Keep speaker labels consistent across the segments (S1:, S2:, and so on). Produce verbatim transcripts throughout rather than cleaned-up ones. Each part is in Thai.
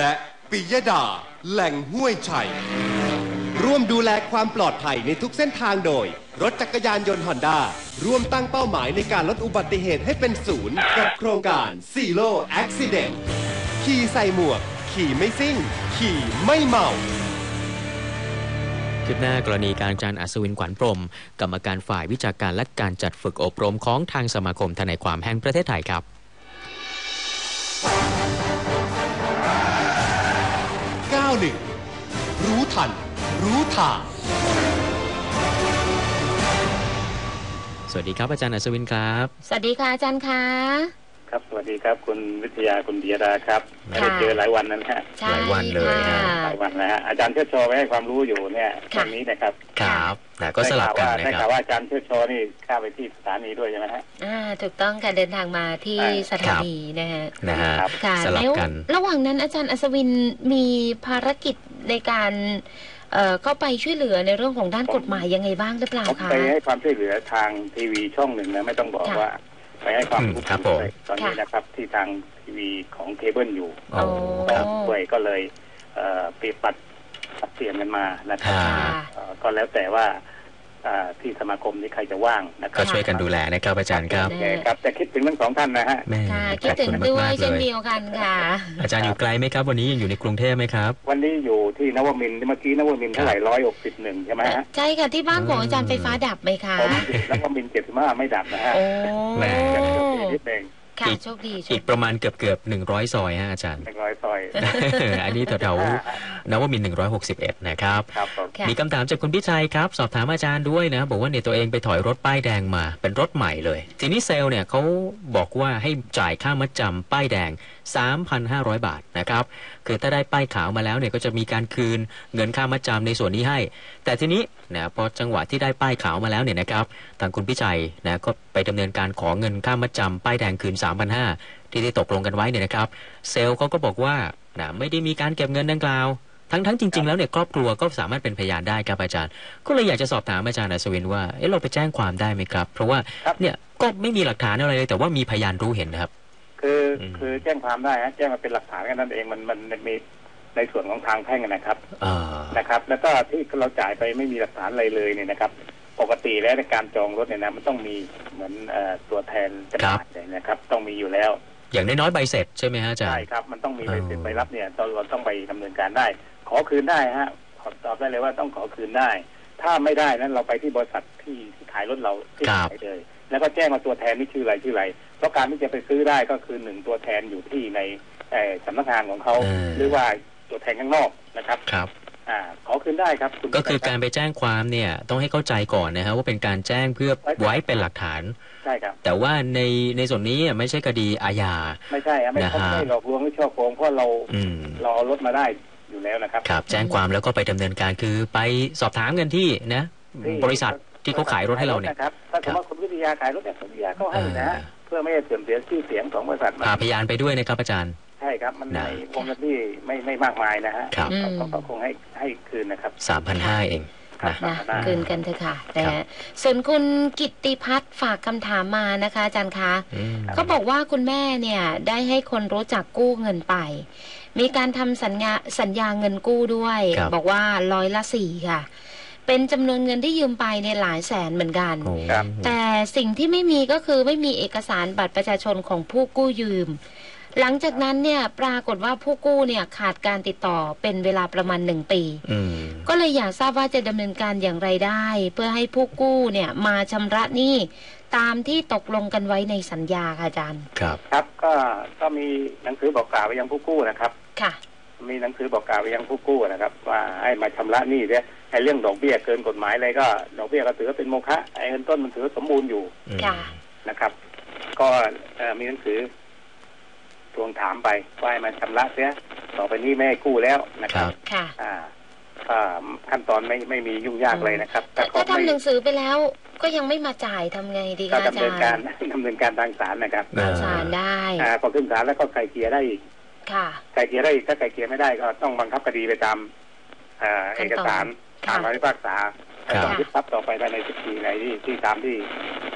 S1: และปิยดาแหล่งห้วยชัยร่วมดูแลความปลอดภัยในทุกเส้นทางโดยรถจักรยานยนต์ฮอนด้าร่วมตั้งเป้าหมายในการลดอุบัติเหตุให้เป็นศูนย์กับโครงการ Zero Accident ขี่ใส่หมวกขี่ไม่ซิ่งขี่ไม่เมา
S2: คืบหน้ากรณีการอาจารย์อัศวินขวัญพรหมกรรมการฝ่ายวิชาการและการจัดฝึกอบรมของทางสมาคมทนายความแห่งประเทศไทยครับ
S1: เก้าสิบรู้ทันรู้ทาง
S2: สวัสดีครับอาจารย์อัศวินครับ
S3: สวัสดีค่ะอาจารย์คะ
S4: ครับสวัสดีครับคุณวิทยาคุณเดียดาครับไม่ได้เจอหลายวันนั้นฮะ
S2: หลายวันเลย
S4: หลายวันแล้วฮะอาจารย์เชิดชอไปให้ความรู้อยู่เนี่ยตรงนี้นะครับ
S2: ครับแต่ก็สลับกันนะครับได้
S4: ข่าวว่าอาจารย์เชิดชอนี่ข้าไปที่สถานีด้วยใช่ไหมฮะ
S3: อ่าถูกต้องค่ะเดินทางมาที่สถานีนะฮะ
S2: นะฮะ
S3: สลับกันระหว่างนั้นอาจารย์อัศวินมีภารกิจในการเอ่อเข้าไปช่วยเหลือในเรื่องของด้านกฎหมายยังไงบ้างหรือเปล่าคะ
S4: ไปให้ความช่วยเหลือทางทีวีช่องหนึ่งนะไม่ต้องบอกว่าไปให้ความรู้ตอนนี้นะครับที่ทางทีวีของเคเบิลอยู่ก็ด้วยก็เลยเปรียบปัดปัดเปลี่ยนกันมานะครับก็แล้วแต่ว่าที่สมาคมนี้ใครจะว่างนะครับ
S2: ก็ช่วยกันดูแลนะครับอาจารย์ครับ
S4: ครับแต่คิดถึงทั้งสองท่านนะฮะ
S3: ค่ะคิดถึงด้วยเช่นเดียวกันค่ะ
S2: อาจารย์อยู่ไกลไหมครับวันนี้ยังอยู่ในกรุงเทพไหมครับ
S4: วันนี้อยู่ที่นวมินทร์เมื่อกี้นวมินทร์เท่าไหร่ร้อยหกสิบหนึ่งใช่ไหมฮะ
S3: ใช่ค่ะที่บ้านของอาจารย์ไฟฟ้าดับไหมคะ
S4: นวมินทร์เจ็ดสิบห้าไม่ดับนะฮะ
S3: โอ้
S2: แหม
S4: นิดนึง
S3: ค่ะโชคดี
S2: อีกประมาณเกือบเกือบหนึ่งร้อยซอยฮะอาจารย์
S4: หนึ่งร้อยซอย
S2: อันนี้แถวๆนวมินทร์หนึ่งร้อยหกสิบเอ็ดนะครับมีคำถามจากคุณพิชัยครับสอบถามอาจารย์ด้วยนะบอกว่าเนี่ยตัวเองไปถอยรถป้ายแดงมาเป็นรถใหม่เลยทีนี้เซลล์เนี่ยเขาบอกว่าให้จ่ายค่ามัดจำป้ายแดง สามพันห้าร้อย บาทนะครับคือถ้าได้ป้ายขาวมาแล้วเนี่ยก็จะมีการคืนเงินค่ามัดจำในส่วนนี้ให้แต่ทีนี้นะพอจังหวะที่ได้ป้ายขาวมาแล้วเนี่ยนะครับทางคุณพิชัยนะก็ไปดำเนินการขอเงินค่ามัดจำป้ายแดงคืน สามพันห้าร้อย ที่ได้ตกลงกันไว้เนี่ยนะครับเซลล์เขาก็บอกว่านะไม่ได้มีการเก็บเงินดังกล่าวทั้งทั้งจริงๆแล้วเนี่ยครอบครัวก็สามารถเป็นพยานได้ครับอาจารย์ก็เลยอยากจะสอบถามอาจารย์อัศวินว่าเอ๊ะเราไปแจ้งความได้ไหมครับเพราะว่าเนี่ยก็ไม่มีหลักฐานอะไรเลยแต่ว่ามีพยานรู้เห็นนะครับ
S4: คือคือแจ้งความได้ฮะแจ้งมาเป็นหลักฐานกันนั่นเองมันมันมีในส่วนของทางแพ่งนะครับนะครับแล้วก็ที่เราจ่ายไปไม่มีหลักฐานอะไรเลยเนี่ยนะครับปกติแล้วในการจองรถเนี่ยนะมันต้องมีเหมือนตัวแทนจำหน่ายเลยนะครับต้องมีอยู่แล้ว
S2: อย่างน้อยๆใบเสร็จใช่ไหมฮะอาจารย์
S4: ใช่ครับมันต้องมีใบเสร็จใบรับเนี่ยเราต้องไปดำเนินการได้ขอคืนได้ฮะขอตอบได้เลยว่าต้องขอคืนได้ถ้าไม่ได้นั้นเราไปที่บริษัทที่ขายรถเราที่ขายเลยแล้วก็แจ้งมาตัวแทนนี่ชื่ออะไรชื่ออะไรเพราะการที่จะไปซื้อได้ก็คือหนึ่งตัวแทนอยู่ที่ในสำนักงานของเขาหรือว่าตัวแทนข้างนอกนะครับ
S2: ครับ
S4: อ่าขอคืนได้ครับ
S2: ก็คือการไปแจ้งความเนี่ยต้องให้เข้าใจก่อนนะฮะว่าเป็นการแจ้งเพื่อไว้เป็นหลักฐาน
S4: ใช่ครับ
S2: แต่ว่าในในส่วนนี้ไม่ใช่คดีอาญา
S4: ไม่ใช่ไม่ใช่หลอกลวงหรือช่อโกงเพราะเราเราเอารถมาได้อยู่แล้วนะครับ
S2: ครับแจ้งความแล้วก็ไปดำเนินการคือไปสอบถามกันที่นะบริษัทที่เขาขายรถให้เราเนี่ย
S4: ครับถ้าสมมติว่าคุณวิทยาขายรถเนี่ยคุณวิทยาเขาให้นะเพื่อไม่ให้เสื่อมเสียชื่อเสียงของบริษัท
S2: พาพยานไปด้วยนะครับอาจารย์
S4: ใช่ครับมันในวงเงินที่ไม่ไม่มากมายนะฮะเขาคงให้ให้คืนนะครับ
S2: สามพันห้าร้อย เอง
S3: นะคืนกันเถอะค่ะนะฮะส่วนคุณกิตติพัฒน์ฝากคำถามมานะคะอาจารย์คะเขาบอกว่าคุณแม่เนี่ยได้ให้คนรู้จักกู้เงินไปมีการทำสัญญาสัญญาเงินกู้ด้วยบอกว่าร้อยละสี่ค่ะเป็นจำนวนเงินที่ยืมไปในหลายแสนเหมือนกันแต่สิ่งที่ไม่มีก็คือไม่มีเอกสารบัตรประชาชนของผู้กู้ยืมหลังจากนั้นเนี่ยปรากฏว่าผู้กู้เนี่ยขาดการติดต่อเป็นเวลาประมาณหนึ่งปีก็เลยอยากทราบว่าจะดำเนินการอย่างไรได้เพื่อให้ผู้กู้เนี่ยมาชำระหนี้ตามที่ตกลงกันไว้ในสัญญาค่ะอาจารย์
S2: ครับ
S4: ครับก็ก็มีหนังสือบอกกล่าวไปยังผู้กู้นะครับ
S3: ค่ะ
S4: มีหนังสือบอกกล่าวไปยังผู้กู้นะครับว่าให้มาชำระหนี้เนี่ยไอ้เรื่องดอกเบี้ยเกินกฎหมายอะไรก็ดอกเบี้ยก็ถือว่าเป็นโมฆะไอ้เงินต้นมันถือสมบูรณ์อยู่นะครับก็มีหนังสือทวงถามไปว่าให้มาชำระเสียต่อไปนี้ไม่ให้กู้แล้วนะครับ
S3: ค่ะ
S4: อ่าขั้นตอนไม่ไม่มียุ่งยากเลยนะครับ
S3: ถ้าทำหนังสือไปแล้วก็ยังไม่มาจ่ายทำไงดีคะอาจารย์
S4: ดำเนินการดำเนินการทางศาลนะครับ
S3: ทางศาลได้
S4: อ่าพอขึ้นศาลแล้วก็ไกลเกลี่ยได้อีก
S3: ค่ะ
S4: ไกลเกลี่ยได้อีกถ้าไกลเกลี่ยไม่ได้ก็ต้องบังคับคดีไปตามเอกสารตามคำพิพากษาต้องยึดทรัพย์ต่อไปภายในสิบปีในที่ที่ตามที่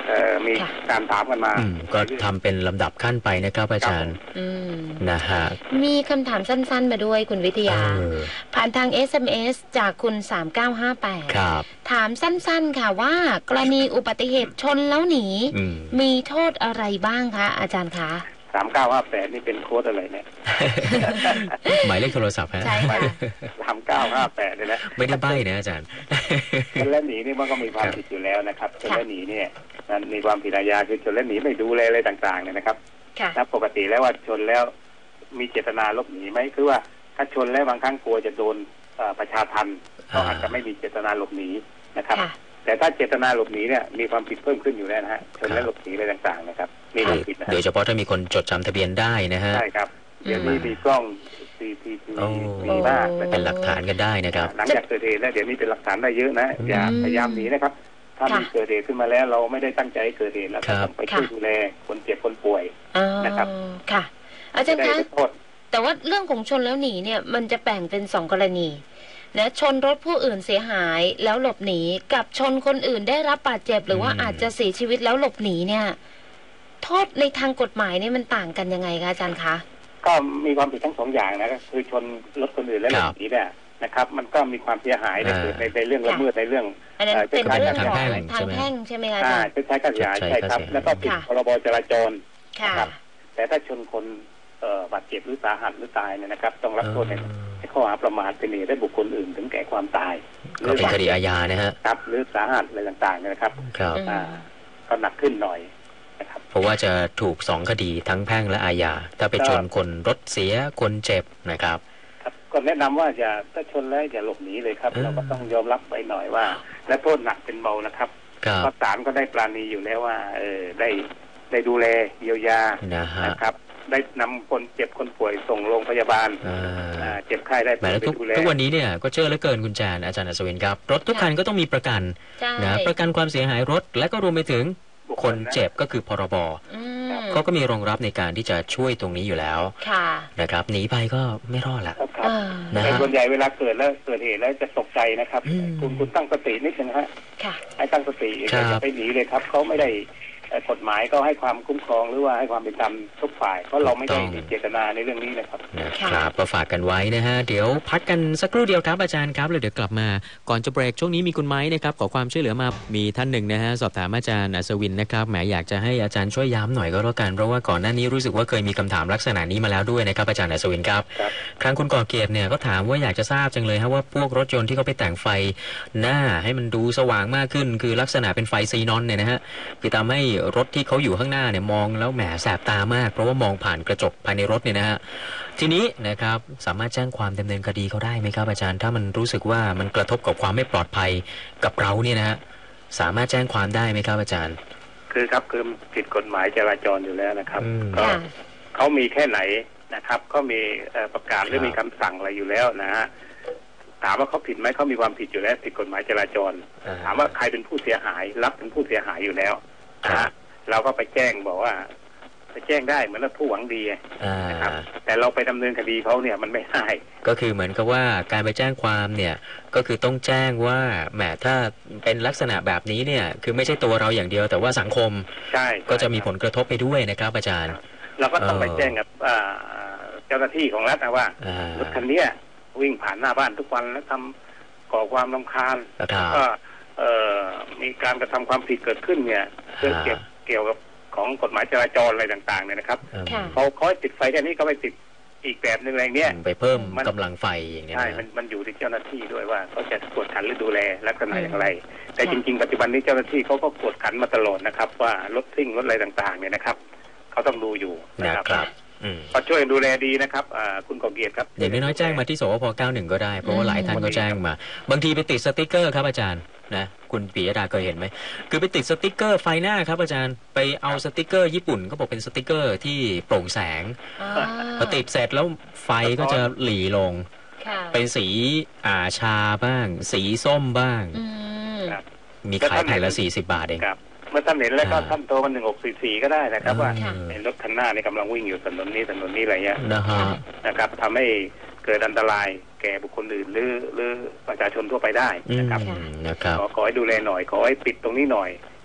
S4: เอ่อมีการถามกันมา
S2: อืมก็ทำเป็นลำดับขั้นไปนะครับอาจารย์
S3: อืม
S2: นะฮะ
S3: มีคำถามสั้นๆมาด้วยคุณวิทยา
S2: เออ
S3: ผ่านทาง เอส เอ็ม เอส จากคุณสามเก้าห้าแปด
S2: ครับ
S3: ถามสั้นๆค่ะว่ากรณีอุบัติเหตุชนแล้วหนี
S2: อืม
S3: มีโทษอะไรบ้างคะอาจารย์คะ
S4: สามเก้าห้าแปดนี่เป็นโค้ดอะไรเนี่ย
S2: หมายเลขโทรศัพท์ฮะ
S3: ใช่ค่ะ
S4: สามเก้าห้าแปดเนี่ยนะ
S2: ไม่ได้ใบ้นะอาจารย์
S4: ชนและหนีนี่มันก็มีความผิดอยู่แล้วนะครับชนและหนีเนี่ยมันมีความผิดอาญาคือชนและหนีไม่ดูแลอะไรต่างๆเนี่ยนะครับ
S3: ค่ะ
S4: ถ้าปกติแล้วว่าชนแล้วมีเจตนาหลบหนีไหมคือว่าถ้าชนแล้วบางครั้งกลัวจะโดนเอ่อประชาทัณฑ์ก็อาจจะไม่มีเจตนาหลบหนีนะครับ
S3: ค่ะ
S4: แต่ถ้าเจตนาหลบหนีเนี่ยมีความผิดเพิ่มขึ้นอยู่แล้วนะฮะชนและหลบหนีอะไรต่างๆนะครับมีความผิดนะฮะ
S2: โดยเฉพาะถ้ามีคนจดจำทะเบียนได้นะฮะ
S4: ใช่ครับเดี๋ยวนี้มีกล้อง ซี ที ที
S2: โอ้
S4: มีมากนะค
S2: เป็
S4: รับ
S2: นหลักฐานกันได้นะครับ
S4: หลังจากเกิดเหตุแล้วเดี๋ยวนี้เป็นหลักฐานได้เยอะนะอย่า
S3: อืม
S4: พยายามหนีนะครับ ถ้ามี
S3: ค่ะ
S4: เกิดเหตุขึ้นมาแล้วเราไม่ได้ตั้งใจให้เกิดเหตุแล้ว
S2: ครั
S4: ก็
S2: บ
S4: ต้องไปช่วยดูแลคนเจ็บคนป่วย
S3: อ๋อ
S4: นะครับ
S3: ค่ะ อาจารย์
S4: ได้
S3: คะ
S4: โทษ
S3: แต่ว่าเรื่องของชนแล้วหนีเนี่ยมันจะแบ่งเป็นสองกรณีนะชนรถผู้อื่นเสียหายแล้วหลบหนีกับชนคนอื่นได้รับบาดเจ็บหรือว่า
S2: อืม
S3: อาจจะเสียชีวิตแล้วหลบหนีเนี่ย โทษในทางกฎหมายเนี่ยมันต่างกันยังไงคะอาจารย์คะ
S4: ก็มีความผิดทั้งสองอย่างนะก็คือชนรถคนอื่นและหล
S2: ครับ บ
S4: หนีเนี่ยนะครับ มันก็มีความเสียหายใน
S2: อ่า
S4: เกิดในในเรื่องละเมิดในเรื่อง
S3: อันนั้น
S4: เอ่อ
S3: เป็น
S4: คล้ายๆ
S3: เรื่องของ
S2: ทางแพ่ง
S3: ทางแพ่งใช่ไหมคะอา
S4: อ่า
S3: จารย์
S4: ชดใช้ค่าเสียหาย
S2: ชดใช้
S4: ใช่ครับ
S2: ค่าเสียหาย
S4: แล้วก็ผิด
S3: ค่ะ
S4: พรบจราจร
S3: ค่ะ
S4: ครับ แต่ถ้าชนคนเอ่อบาดเจ็บหรือสาหัสหรือตายเนี่ยนะครับ ต้องรับโทษในในข้อหาประมาทเป็นเหตุให้บุคคลอื่นถึงแก่ความตายห
S2: ก็เป็นคดีอาญานะฮะ
S4: ครับหรือสาหัสอะไรต่างๆเนี่ยนะครับ
S2: ครับ
S3: อืม
S4: อ่าก็หนักขึ้นหน่อยนะครับ
S2: เพราะว่าจะถูกสองคดีทั้งแพ่งและอาญา ถ้าไปชนคนรถเสียคนเจ็บนะครับ
S4: ครับก็แนะนำว่าอย่าถ้าชนแล้วอย่าหลบหนีเลยครับ
S2: เออ
S4: เราก็ต้องยอมรับไปหน่อยว่า และโทษหนักเป็นเบานะครับ
S2: ครับ
S4: เพราะศาลก็ได้ปราณีอยู่แล้วว่า เออได้ได้ดูแลเยียวยา
S2: นะฮะ
S4: นะครับ ได้นำคนเจ็บคนป่วยส่งโรงพยาบาล
S2: อ่า
S4: อ่าเจ็บไข้ได้
S2: แหมแล้ว
S4: ไป
S2: ทุก
S4: ดูแล
S2: ทุกวันนี้เนี่ยก็เชื่อเหลือเกินคุณแจนอาจารย์อัศวินครับ รถทุกคันก็ต้องมีประกัน
S3: ใช่
S2: นะประกันความเสียหายรถ และก็รวมไปถึง
S4: บุค
S2: ค
S4: คล
S2: น
S4: นะ
S2: เจ็บก็คือพรบ
S3: อืม
S2: เขาก็มีรองรับในการที่จะช่วยตรงนี้อยู่แล้ว
S3: ค่ะ
S2: นะครับหนีไปก็ไม่รอดละ
S4: ครับครับ
S3: อ่า
S2: นะ
S4: แต่
S2: ฮะ
S4: ส่วนใหญ่เวลาเกิดแล้วเกิดเหตุแล้วจะตกใจนะครับ
S2: อืม
S4: คุณคุณตั้งสตินิดนึงฮะ
S3: ค่ะ
S4: ให้ตั้งสติ
S2: ครับ
S4: อย่าไปหนีเลยครับเขาไม่ได้เอ่อกฎหมายก็ให้ความคุ้มครองหรือว่าให้ความเป็นธรรมทุกฝ่ายเพราะเราไม่ได้มีเจตนาในเรื่องนี้นะครับ
S2: นะครับก็ฝากกันไว้นะฮะ เดี๋ยวพักกันสักครู่เดียวครับอาจารย์ครับแล้วเดี๋ยวกลับมาก่อนจะเบรกช่วงนี้มีคุณไม้นะครับขอความช่วยเหลือมามีท่านหนึ่งนะฮะสอบถามอาจารย์อัศวินนะครับแหมอยากจะให้อาจารย์ช่วยย้ำหน่อยก็แล้วกันเพราะว่าก่อนหน้านี้รู้สึกว่าเคยมีคำถามลักษณะนี้มาแล้วด้วยนะครับอาจารย์อัศวินครับ
S4: ครับ
S2: ครั้งคุณก่อเกียรติเนี่ยก็ถามว่าอยากจะทราบจังเลยฮะว่าพวกรถยนต์ที่เขาไปแต่งไฟหน้าให้มันดูสว่างมากขึ้น คือลักษณะเป็นไฟซีนอนเนี่ยนะฮะคือทำให้รถที่เขาอยู่ข้างหน้าเนี่ยมองแล้วแหมแสบตามาก เพราะว่ามองผ่านกระจกภายในรถเนี่ยนะฮะทีนี้นะครับสามารถแจ้งความดำเนินคดีเขาได้ไหมครับอาจารย์ถ้ามันรู้สึกว่ามันกระทบกับความไม่ปลอดภัยกับเราเนี่ยนะฮะสามารถแจ้งความได้ไหมครับอาจารย์
S4: คือครับคือผิดกฎหมายจราจรอยู่แล้วนะครับ
S2: อืม
S4: ก็
S3: ค่ะ
S4: เขามีแค่ไหนนะครับก็มีเอ่อประกาศหรือมีคำสั่งอะไรอยู่แล้วนะฮะถามว่าเขาผิดไหมเขามีความผิดอยู่แล้วผิดกฎหมายจราจร
S2: อ่า
S4: ถามว่าใครเป็นผู้เสียหายรับเป็นผู้เสียหายอยู่แล้ว
S2: ครับ
S4: นะฮะเราก็ไปแจ้งบอกว่าไปแจ้งได้เหมือนเราผู้หวังดี
S2: อ่า
S4: นะครับแต่เราไปดำเนินคดีเขาเนี่ยมันไม่ได้
S2: ก็คือเหมือนกับว่าการไปแจ้งความเนี่ยก็คือต้องแจ้งว่าแหมถ้าเป็นลักษณะแบบนี้เนี่ยคือไม่ใช่ตัวเราอย่างเดียวแต่ว่าสังคม
S4: ใช่
S2: ก็จะมีผลกระทบไปด้วยนะครับอาจารย์
S4: เราก็ต้องไป
S2: เออ
S4: แจ้งกับอ่าเจ้าหน้าที่ของรัฐนะว่า
S2: อ่าร
S4: ถคันเนี้ยวิ่งผ่านหน้าบ้านทุกวันแล้วทำก่อความรำคาญ
S2: ครับ
S4: ก็เอ่อมีการกระทำความผิดเกิดขึ้นเนี่ยเกี่ยว
S2: อ่า
S4: เกี่ยวกับของกฎหมายจราจรอะไรต่างๆเนี่ยนะครับ
S2: อืม
S3: ค่ะ
S4: เขาเขาให้ติดไฟแค่นี้ก็ไปติดอีกแบบหนึ่งอะไรเงี้ย
S2: ไปเพิ่ม
S4: มัน
S2: กำลังไฟอย่างเงี้ย
S4: ใช่
S2: นะ
S4: มันมันอยู่ที่เจ้าหน้าที่ด้วยว่าเขาจะกวดขันหรือดูแลลักษณะอย่างไร แต่
S3: ค่ะ
S4: จริง ๆ ปัจจุบันนี้เจ้าหน้าที่เขาก็กวดขันมาตลอดนะครับ ว่ารถซิ่งรถอะไรต่างๆเนี่ยนะครับเขาต้องดูอยู่นะ
S2: นะครับ ครับอืม
S4: ก็ช่วยดูแลดีนะครับอ่าคุณกอเกียรติครับ
S2: อย่างน้อยๆแจ้งมาที่สวพเก้าหนึ่งก็ได้เพราะว่าหลายท่านก็แจ้งมา บางทีไปติดสติกเกอร์ครับอาจารย์นะคุณปิยดาเคยเห็นไหมคือไปติดสติกเกอร์ไฟหน้าครับอาจารย์ไปเอาสติกเกอร์ญี่ปุ่นก็บอกเป็นสติกเกอร์ที่โปร่งแสง
S3: อ่า
S2: พอติดเสร็จแล้วไฟก็จะหลีลง
S3: ค่ะ
S2: เป็นสีอ่าชาบ้าง สีส้มบ้าง
S3: อืม
S4: ครับ
S2: มีขายแผ่นละสี่สิบบาทเอง
S4: ครับเมื่อท่านเห็นแล้วก็
S2: อ่า
S4: ท่านโทรมาหนึ่งหกสี่สี่ก็ได้นะครับว่า
S2: เออ
S4: เห็นรถคันหน้านี่กำลังวิ่งอยู่ถนนนี้ถนนนี้อะไรเงี้ย
S2: นะฮะ
S4: นะครับทำให้เกิดอันตรายแก่บุคคลอื่นหรือหรือประชาชนทั่วไปได้
S2: อืม
S4: นะครับ
S2: นะครับ
S4: ขอขอให้ดูแลหน่อยขอให้ปิดตรงนี้หน่อย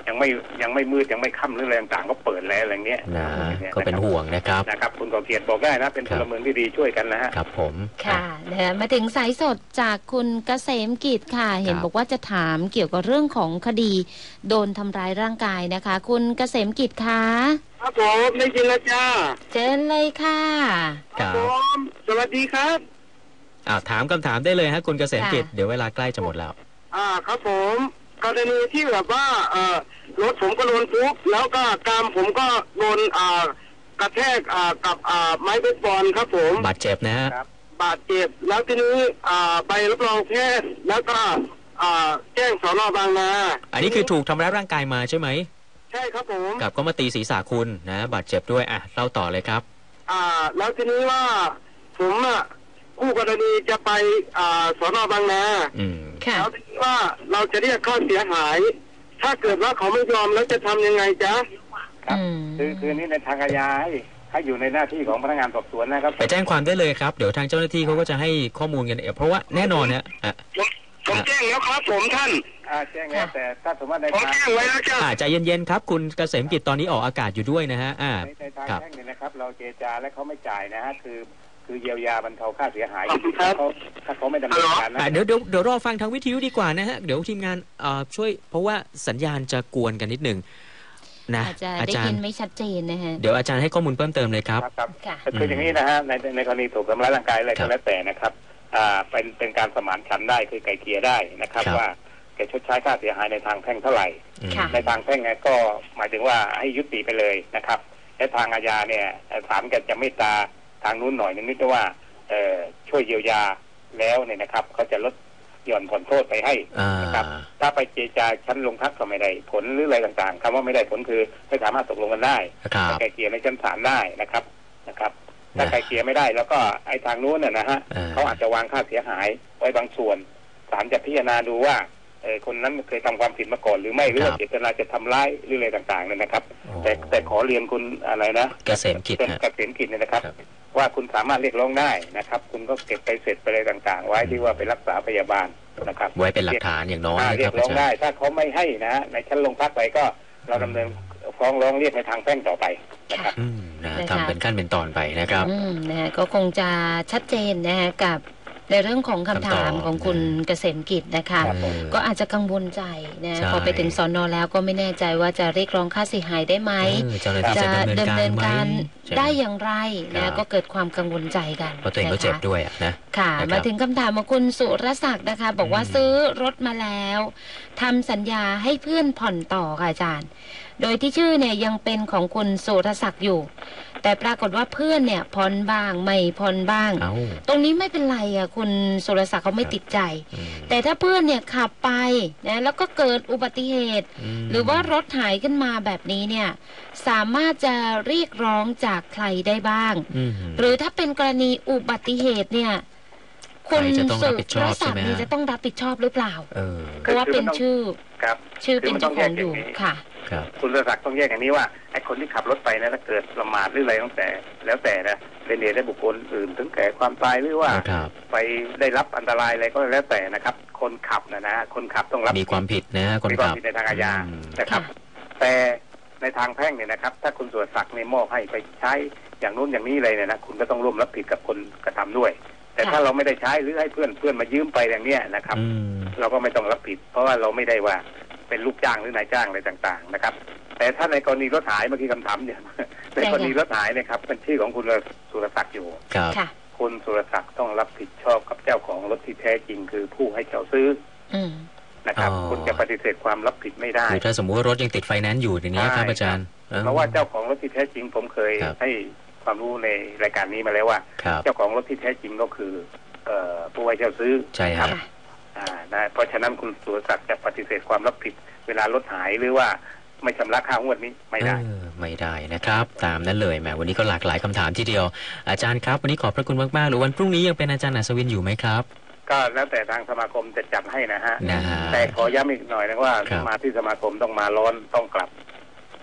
S4: ยังไม่ยังไม่มืดยังไม่ค่ำหรืออะไรต่างๆก็เปิดแล้วอะไรเงี้ย
S2: นะก็เป็นห่วงนะครับ
S4: นะครับคุณก่อเกียรติบอกได้นะเป็นพลเมืองที่ดีช่วยกันนะฮะ
S2: ครับผม
S3: ค่ะนะมาถึงสายสดจากคุณเกษมกิจค่ะเห็นบอกว่าจะถามเกี่ยวกับเรื่องของคดีโดนทำร้ายร่างกายนะคะคุณเกษมกิจคะ
S5: ครับผมได้ยินแล้วจ้า
S3: เชิญเลยค่ะ
S5: ครับผมสวัสดีครับ
S2: อ่าถามคำถามได้เลยฮะคุณเกษมกิจเดี๋ยวเวลาใกล้จะหมดแล้ว
S5: อ่าครับผมกรณีที่แบบว่าเอ่อรถผมก็โดนทุบแล้วก็กรามผมก็โดนอ่ากระแทกอ่ากับอ่าไม้เบสบอลครับผม
S2: บาดเจ็บนะฮะ
S5: บาดเจ็บแล้วทีนี้อ่าใบรับรองแพทย์แล้วก็อ่าแจ้งสน.บางนา
S2: อันนี้คือถูกทำร้ายร่างกายมาใช่ไหม
S5: ใช่ครับผม
S2: กับก็มาตีศีรษะคุณนะบาดเจ็บด้วยอ่ะเล่าต่อเลยครับ
S5: อ่าแล้วทีนี้ว่าผมอ่ะคู่กรณีจะไปอ่าสน.บางนา
S2: อืม
S5: แล้วทีนี้ว่าเราจะเรียกค่าเสียหายถ้าเกิดว่าเขาไม่ยอมแล้วจะทำยังไงจ๊ะ
S4: ครับคือคือนี่ในทางอาญาให้ให้อยู่ในหน้าที่ของพนักงานสอบสวนนะครับ
S2: ไปแจ้งความได้เลยครับเดี๋ยวทางเจ้าหน้าที่เขาก็จะให้ข้อมูลกันเองเพราะว่าแน่นอนเนี่ย
S5: ผมแจ้งแล้วครับผมท่าน
S4: อ่าแจ้งแล้วแต่ถ้าสมมติใน
S5: ทางผมแจ้งไว้แล้วจ้ะ
S2: ใจเย็นๆครับคุณเกษมกิจตอนนี้ออกอากาศอยู่ด้วยนะฮะอ่า
S4: ในทางแพ่งเนี่ยนะครับเราเจรจาและเขาไม่จ่ายนะฮะคือคือเยียวยาบรรเทาค่าเสียหายเขาถ้าเขาไม่ดำเนินการนะ
S2: เดี๋ยวเดี๋ยวเดี๋ยวรอฟังทางวิทยุดีกว่านะฮะเดี๋ยวทีมงานเอ่อช่วยเพราะว่าสัญญาณจะกวนกันนิดหนึ่งนะ
S3: อาจารย์ได้ยินไม่ชัดเจนนะฮะ
S2: เดี๋ยวอาจารย์ให้ข้อมูลเพิ่มเติมเลยครับ
S4: ครับคืออย่างนี้นะฮะในในกรณีถูกทำร้ายร่างกายอะไรก็แล้วแต่นะครับอ่าเป็นเป็นการสมานฉันท์ได้คือไกลเกลี่ยได้นะครับว่าแกชดใช้ค่าเสียหายในทางแพ่งเท่าไหร่ในทางแพ่งไงก็หมายถึงว่าให้ยุติไปเลยนะครับในทางอาญาเนี่ยศาลก็จะเมตตาทางนู้นหน่อยนึงนิดว่าช่วยเยียวยาแล้วเนี่ยนะครับเขาจะลดหย่อนผ่อนโทษไปให้นะครับถ้าไปเจรจาชั้นลงพักก็ไม่ได้ผลหรืออะไรต่างๆคำว่าไม่ได้ผลคือไม่สามารถตกลงกันได้ไกลเกลี่ยในชั้นศาลได้นะครับนะครับถ้าไกลเกลี่ยไม่ได้แล้วก็ไอ้ทางนู้นน่ะนะฮะเขาอาจจะวางค่าเสียหายไว้บางส่วนศาลจะพิจารณาดูว่าเออคนนั้นเคยทำความผิดมาก่อนหรือไม่หรือว่าเจตนาจะทำร้ายหรืออะไรต่างๆเนี่ยนะครับแต่แต่ขอเรียนคุณอะไรนะ
S2: เกษมกิจ
S4: เกษมกิจเนี่ยนะครับว่าคุณสามารถเรียกร้องได้นะครับคุณก็เก็บไปเสร็จไปอะไรต่างๆไว้ที่ว่าไปรักษาพยาบาลนะครับ
S2: ไว้เป็นหลักฐานอย่างน้อย
S4: เรียกร้องได้ถ้าเขาไม่ให้นะในชั้นโรงพักไปก็เราดำเนินฟ้องร้องเรียกในทางแพ่งต่อไปนะครับ
S2: ทำเป็นขั้นเป็นตอนไปนะครับ
S3: นะก็คงจะชัดเจนนะฮะกับในเรื่องของคำถามของคุณเกษมกิจนะคะก็อาจจะกังวลใจนะพอไปถึงสน.แล้วก็ไม่แน่ใจว่าจะเรียกร้องค่าเสียหายได้ไหมจะดำเนินการได้อย่างไรนะก็เกิดความกังวลใจกัน
S2: เพราะตัวเองก็เจ็บด้วยนะ
S3: ค่ะมาถึงคำถามของคุณสุรศักดิ์นะคะบอกว่าซื้อรถมาแล้วทำสัญญาให้เพื่อนผ่อนต่อค่ะอาจารย์โดยที่ชื่อเนี่ยยังเป็นของคุณสุรศักดิ์อยู่แต่ปรากฏว่าเพื่อนเนี่ยผ่อนบ้างไม่ผ่อนบ้างตรงนี้ไม่เป็นไรอ่ะคุณสุรศักดิ์เขาไม่ติดใจแต่ถ้าเพื่อนเนี่ยขับไปนะแล้วก็เกิดอุบัติเหตุหรือว่ารถหายขึ้นมาแบบนี้เนี่ยสามารถจะเรียกร้องจากใครได้บ้างหรือถ้าเป็นกรณีอุบัติเหตุเนี่ยคุณสุรศักดิ์นี่จะต้องรับผิดชอบหรือเปล่าเพราะว่าเป็นชื่อชื่อเป็นเจ้าของอยู่ค่ะ
S4: คุณสุรศักดิ์ต้องแยกอย่างนี้ว่าไอ้คนที่ขับรถไปนะถ้าเกิดประมาทหรืออะไรตั้งแต่แล้วแต่นะเป็นเหตุให้บุคคลอื่นถึงแก่ความตายหรือว่าไปได้รับอันตรายอะไรก็แล้วแต่นะครับคนขับนะนะคนขับต้องรับ
S2: มีความผิดนะคนขับ
S4: มีความผิดในทางอาญานะครับแต่ในทางแพ่งเนี่ยนะครับถ้าคุณสุรศักดิ์ในมอบให้ไปใช้อย่างนู้นอย่างนี้เลยเนี่ยนะคุณก็ต้องร่วมรับผิดกับคนกระทำด้วยแต่ถ้าเราไม่ได้ใช้หรือให้เพื่อนเพื่อนมายืมไปอย่างเนี้ยนะครับเราก็ไม่ต้องรับผิดเพราะว่าเราไม่ได้ว่าเป็นลูกจ้างหรือนายจ้างอะไรต่างๆนะครับแต่ถ้าในกรณีรถหายเมื่อกี้คำถามเนี่ยในกรณีรถหายนะครับเป็นชื่อของคุณสุรศักดิ์อยู่คุณสุรศักดิ์ต้องรับผิดชอบกับเจ้าของรถที่แท้จริงคือผู้ให้เช่าซื้อนะครับคุณจะปฏิเสธความรับผิดไม่ได้
S2: คือถ้าสมมติว่ารถยังติดไฟแนนซ์อยู่อย่างนี้ครับอาจารย์
S4: เพราะว่าเจ้าของรถที่แท้จริงผมเคยให้ความรู้ในรายการนี้มาแล้วว่าเจ้าของรถที่แท้จริงก็คือผู้ให้เช่าซื้อ
S2: ใช่ครับ
S4: นะเพราะฉะนั้นคุณสุรศักดิ์จะปฏิเสธความรับผิดเวลารถหายหรือว่าไม่ชำระค่างวดนี้ไม่ได้
S2: ไม่ได้นะครับตามนั้นเลยแหมวันนี้ก็หลากหลายคำถามทีเดียวอาจารย์ครับวันนี้ขอบพระคุณมากๆหรือวันพรุ่งนี้ยังเป็นอาจารย์อัศวินอยู่ไหมครับ
S4: ก็แล้วแต่ทางสมาคมจะจัดให้นะฮะแต่ขอย้ำอีกหน่อยนะว่ามาที่สมาคมต้องมาร้อนต้องกลับ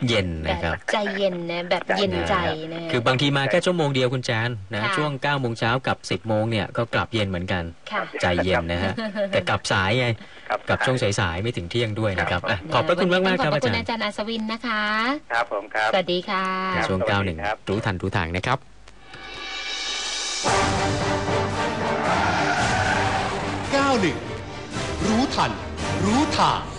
S2: เย็นนะครับ
S3: ใจเย็นนะแบบเย็นใจนะ
S2: คือบางทีมาแค่ชั่วโมงเดียวคุณแจนนะ
S3: ค่ะ
S2: ช่วงเก้าโมงเช้ากับสิบโมงเนี่ยก็กลับเย็นเหมือนกัน
S3: ค่ะ
S2: ใจเย็นนะฮะแต่กลับสายไง
S4: ครับ
S2: กลับช่วงสายๆไม่ถึงเที่ยงด้วยนะครับ
S4: ครับ
S2: อ่ะขอบพระคุณมากๆครับ
S3: ขอบพ
S2: อา
S3: ระคุ
S2: จา
S3: ณ
S2: รย์
S3: อาจารย์อัศวินนะคะ
S4: ครับผมครับ
S3: สวัสดีค่ะ
S4: ครับ
S2: ช่วง
S4: สวัสดี
S2: เก้าหนึ่ง
S4: ครับ
S2: รู้ทันรู้ทางนะครับ
S1: เก้าหนึ่ง รู้ทัน รู้ทาง